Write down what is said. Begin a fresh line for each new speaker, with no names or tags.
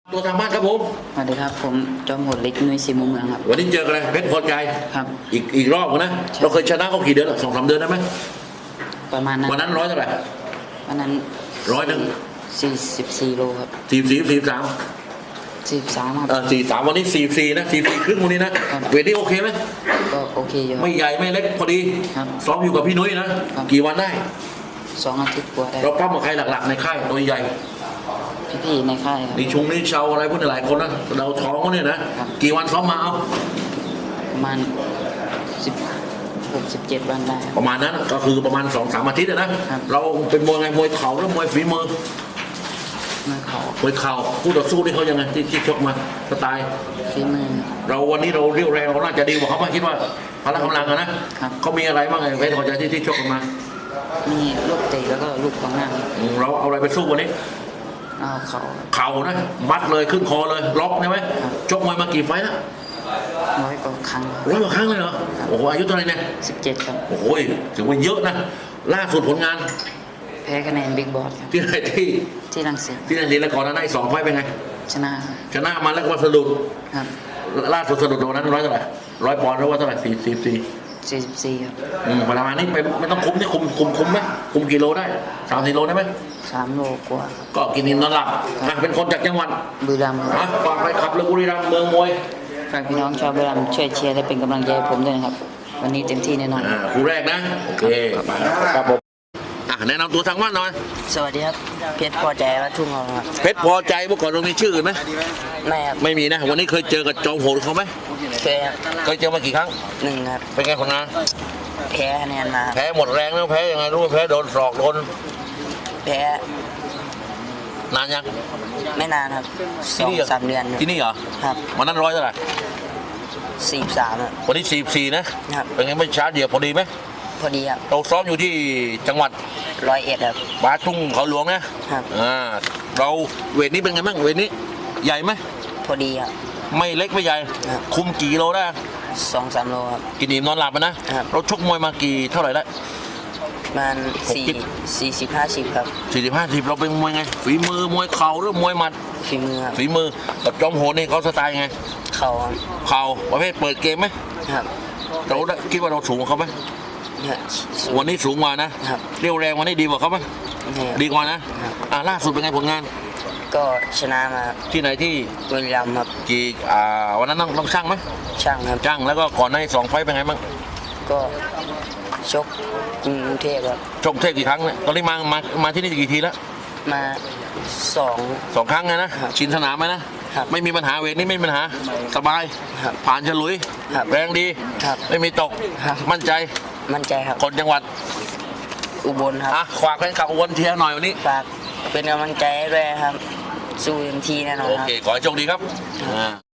ตัวทางบ้านครับผม
สวัสดีครับผมจอมโหดเล็กนุ้ยศรีมุมเมืองครับ
วันนี้เจอกันเลยเพชรพอใจ
ครับ
อีกรอบนะเราเคยชนะเขากี่เดือน2-3 เดือนได้ไหม
ประมาณนั้น
วันนั้นร้อยเท่าไหร่
วันนั้น44 โลครับ
43
ครับ
43วันนี้44นะ44ครึ่งวันนี้นะเวทนี้โอเคไหม
ก็โอเคอยู่
ไม่ใหญ่ไม่เล็กพอดี
ครับ
ซ้อมอยู่กับพี่นุ้ยนะกี่วันได้
2 อาทิตย์กว่าได้
เราปั้มกับใครหลักๆในค่ายตัวใหญ่
พี่ในค่ายครับ
นี่เชาอะไรพวกนี้หลายคนนะเราท้องเขาเนี่ยนะกี่วันซ้อมมาเอา
ประมาณ16-17 วันได้
ประมาณนั้นก็คือประมาณ2-3 อาทิตย์นะเราเป็นมวยไงมวยเข่าหรือมวยฝีมือมวยเข่าคู่ต่อสู้นี่เขายังไงที่ชกมาสไตล์
ฝีมือ
เราวันนี้เราเรียวแรงเราน่าจะดีกว่าเขาไม่คิดว่าพละกำลังนะเขามีอะไรบ้างไงเพชรพอใจที่ชกกันมา
มีลูกเตะแล้วก็ลูกขวางหน้า
เราเอาอะไรไปสู้วันนี้
เอา
เข่านะมัดเลยขึ้นคอเลยล็อกใช่ไหมชกมวยมากี่ไฟล์แล้ว
100 กว่าครั้ง
เลยเหรอโอ้โหอายุเท่าไหร่เนี่ย
17ครับ
โอ้โหถือว่าเยอะนะล่าสุดผลงาน
แพ้คะแนนบิ๊กบอส
ที่ไหน
ที่รังสิต
แล้วก่อนนั้นได้2 ไฟล์เป็นไง
ชนะ
มาแล้วก็มาสะดุด
ครับ
ล่าสุดสะดุดวันนั้น100เท่าไหร่100 ปอนด์หรือว่าเท่าไหร่
44ครับ
ประมาณนี้ไปไม่ต้องคุมนี่คุมไหมคุมกิโลได้3-4 โลได้ไหม
3 โลกว่า
ก็กินอิ่มนอนหลับเป็นคนจากจังหวัด
บุรีรัมย์
ฝากไปขับเรือบุรีรัมย์เมืองมวย
ฝากพี่น้องชาวบุรีรัมย์ช่วยเชียร์และเป็นกำลังใจให้ผมด้วยนะครับวันนี้เต็มที่แน่นอน
คู่แรกนะโอเคครับผมแนะนำตัวทางบ้านหน่อย
สวัสดีครับเพชรพอใจวัดทุ่งทองครับ
เพชรพอใจเมื่อก่อนตรงนี้ชื่ออื่นไหม
ไม่ครับ
ไม่มีนะวันนี้เคยเจอกับจอมโหดเขาไหมเคยเจอมากี่ครั้ง
1ครับ
เป็นไงผลงาน
แพ้คะแนนมา
แพ้หมดแรงแล้วแพ้ยังไงรู้ไหมแพ้โดนศอกโดน
แพ้
นานยัง
ไม่นานครับ2-3 เดือน
ที่นี่เหรอ
ครับ
วันนั้น100เท่าไหร่
43อ่ะ
วันนี้44นะครับเป็นไงไม่ช้าเดียวพอดีไหม
พอดีครับ
เราซ้อมอยู่ที่จังหวัด
101ครับ
บาทุ่งเขาหลวงนะครับเราเวทนี้เป็นไงบ้างเวทนี้ใหญ่ไหม
พอดีครับ
ไม่เล็กไม่ใหญ่คุมกี่โลได้
2-3 โลครับ
กินอิ่มนอนหลับนะเราชกมวยมากี่เท่าไหร่แล้ว
มัน40-50ครับ
40-50เราเป็นมวยไงฝีมือมวยเข่าหรือมวยหมัด
ฝีมือ
กับจอมโหดนี่เขาสไตล์ไง
เข่า
ประเภทเปิดเกมไหม
ครับ
เราคิดว่าเราสูงกว่าเขาไหมวันนี้สูงกว่านะเรียวแรงวันนี้ดีกว่าเขาไหมดีกว่านะล่าสุดเป็นไงผลงาน
ก็ชนะมา
ที่ไหนที่
บุรีรัมย์ครับ
วันนั้นต้องช่างไหม
ช่างครับ
ช่างแล้วก็ก่อนใน2 ไฟล์เป็นไงบ้าง
ก็ชกกรุงเทพครับ
ชกเทพกี่ครั้งเนี่ยตอนนี้มาที่นี่กี่ทีแล้ว
มา2
ครั้งนะชินสนามไหมนะไม่มีปัญหาเวทนี้ไม่มีปัญหาสบายผ่านฉลุยแรงดีไม่มีตกมั่นใจ
ครับ
คนจังหวัด
อุบลครับ
ฝากแฟนคลับอุบลเชียร์หน่อยวันนี้
ฝากเป็นกำลังใจด้วยครับสู้เต็มที่แน่นอน
โอเคขอให้โชคดีครับ